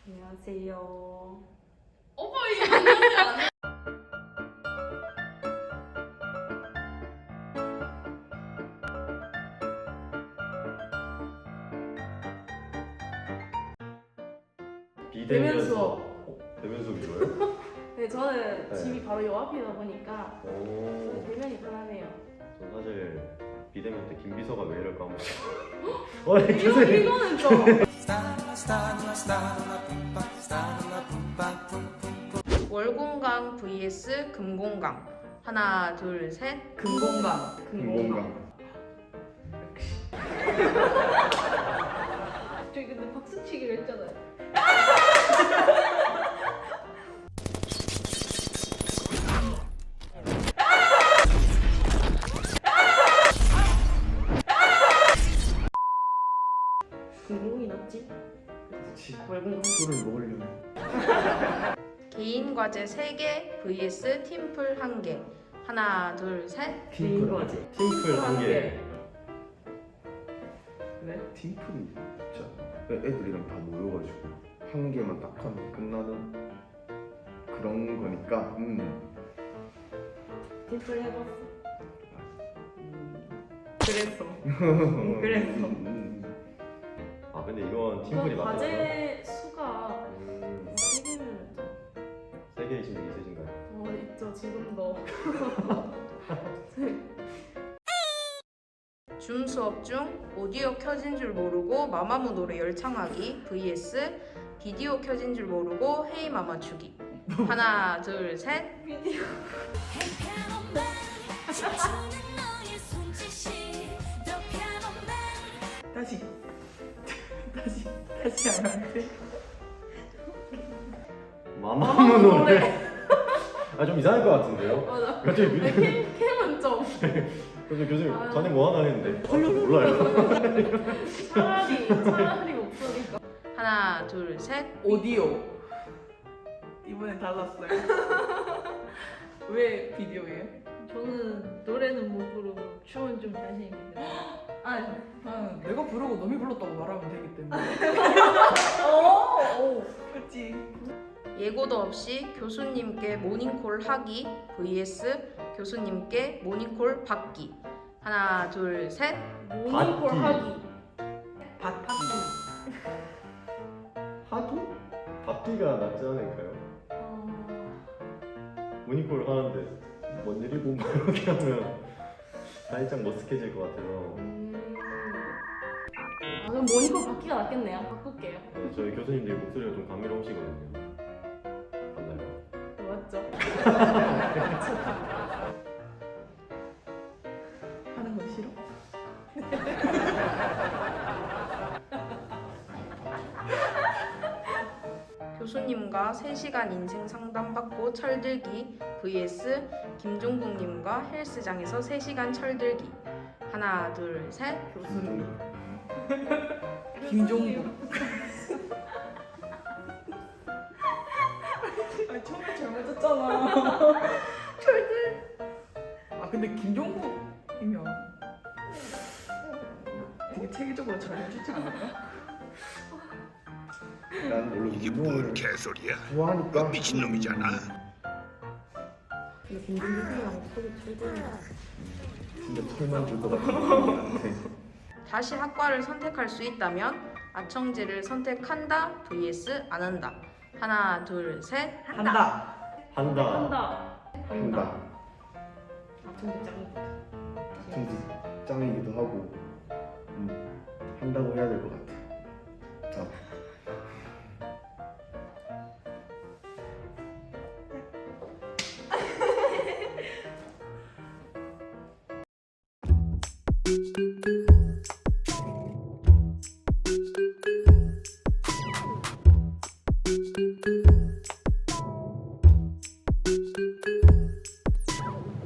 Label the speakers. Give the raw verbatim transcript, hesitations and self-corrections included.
Speaker 1: 안녕하세요.
Speaker 2: 오빠 이게 안녕하지 않아?
Speaker 1: 대면 수업.
Speaker 3: 어? 대면 수업이 좋아요?
Speaker 1: 네, 저는
Speaker 3: 네.
Speaker 1: 집이 바로 요 앞이다 보니까 저는
Speaker 3: 오.
Speaker 1: 대면이 편하네요.
Speaker 3: 저 사실 비대면 때 김비서가 왜 이럴까 한번 어,
Speaker 1: 이거, 이거는 좀
Speaker 2: 월공강 vs 금공강. 하나 둘 셋.
Speaker 1: 금공강.
Speaker 3: 금공강.
Speaker 1: 저기 근데 박수치기로 했잖아요. 금공이 낫지?
Speaker 3: 그렇지.
Speaker 1: 월공강.
Speaker 3: 술을 먹으려면.
Speaker 2: 개인 과제 세 개 vs 팀플 한 개. 하나 둘 셋.
Speaker 1: 개인 과제.
Speaker 3: 팀플 한 개.
Speaker 1: 왜?
Speaker 4: 팀플이 진짜 애들이랑 다 모여가지고 한 개만 딱 하면 끝나는 그런 거니까 음.
Speaker 1: 팀플 해봤어. 음, 그랬어. 음, 그랬어.
Speaker 4: 음.
Speaker 3: 아 근데 이건 팀플이
Speaker 1: 이거
Speaker 3: 맞죠?
Speaker 1: 과제 수가
Speaker 3: 음,
Speaker 1: 세 개면 좀
Speaker 3: 세 개이신 적 있으신가요?
Speaker 1: 어, 있죠, 지금도.
Speaker 2: 줌 수업 중 오디오 켜진 줄 모르고 마마무 노래 열창하기 vs 비디오 켜진 줄 모르고 헤이 마마 추기. 하나 둘 셋.
Speaker 1: 비디오. 다시. 다시. 다시 하면 안 돼?
Speaker 3: 마마무 노래. 아 좀 이상할 것 같은데요?
Speaker 1: 맞아.
Speaker 3: 갑자기 뮤
Speaker 1: 캠, 캠은 좀.
Speaker 3: 그래서 교수님
Speaker 1: 아유.
Speaker 3: 자네 뭐 하나 했는데 아, 저 몰라요.
Speaker 1: 차라리, 차라리 목소리가.
Speaker 2: 하나 둘 셋.
Speaker 5: 오디오. 이번엔 달랐어요. 왜 비디오예요?
Speaker 1: 저는 노래는 못 부르고 춤은 좀 자신 있는데.
Speaker 5: 아, 나는 내가 부르고 놈이 불렀다고 말하면 되기 때문에.
Speaker 1: 오! 오!
Speaker 5: 그렇지.
Speaker 2: 예고도 없이 교수님께 모닝콜 하기 vs 교수님께 모닝콜 받기. 하나 둘 셋.
Speaker 1: 모닝콜
Speaker 3: 받기.
Speaker 1: 하기.
Speaker 5: 밭하기.
Speaker 3: 하기? 받기가 낫지 않을까요?
Speaker 1: 어...
Speaker 3: 모닝콜 하는데 뭔 일이고 막 이렇게 하면 살짝 머쓱해질 것 같아서
Speaker 1: 음... 아, 그럼 모닝콜 받기가 낫겠네요. 바꿀게요.
Speaker 3: 네, 저희 교수님들 목소리가 좀 감미로우시거든요. 맞나요?
Speaker 1: 맞죠?
Speaker 5: 하는 건 싫어?
Speaker 2: 교수님과 세 시간 인생 상담받고 철들기 vs 김종국님과 헬스장에서 세 시간 철들기. 하나 둘 셋.
Speaker 1: 교수님.
Speaker 5: 김종국. 아, 처음에 잘못했잖아. 철들. 아, 근데 김종국이면 되게 체계적으로 잘 해주지 않을까?
Speaker 4: 난 원래
Speaker 6: 이게
Speaker 4: 운동을
Speaker 6: 뭔 개소리야?
Speaker 4: 좋아하니까
Speaker 6: 미친놈이잖아.
Speaker 1: 근데 김종국이랑 소리 철들면
Speaker 4: 진짜 털만 줄 것 같은데.
Speaker 2: 다시 학과를 선택할 수 있다면 아청제를 선택한다 vs 안 한다. 하나 둘 셋.
Speaker 5: 한다.
Speaker 3: 한다.
Speaker 1: 한다.
Speaker 4: 한다.
Speaker 1: 아, 근데 짱.
Speaker 4: 진짜 짱이기도 하고 음, 한다고 해야 될 것 같아. 자.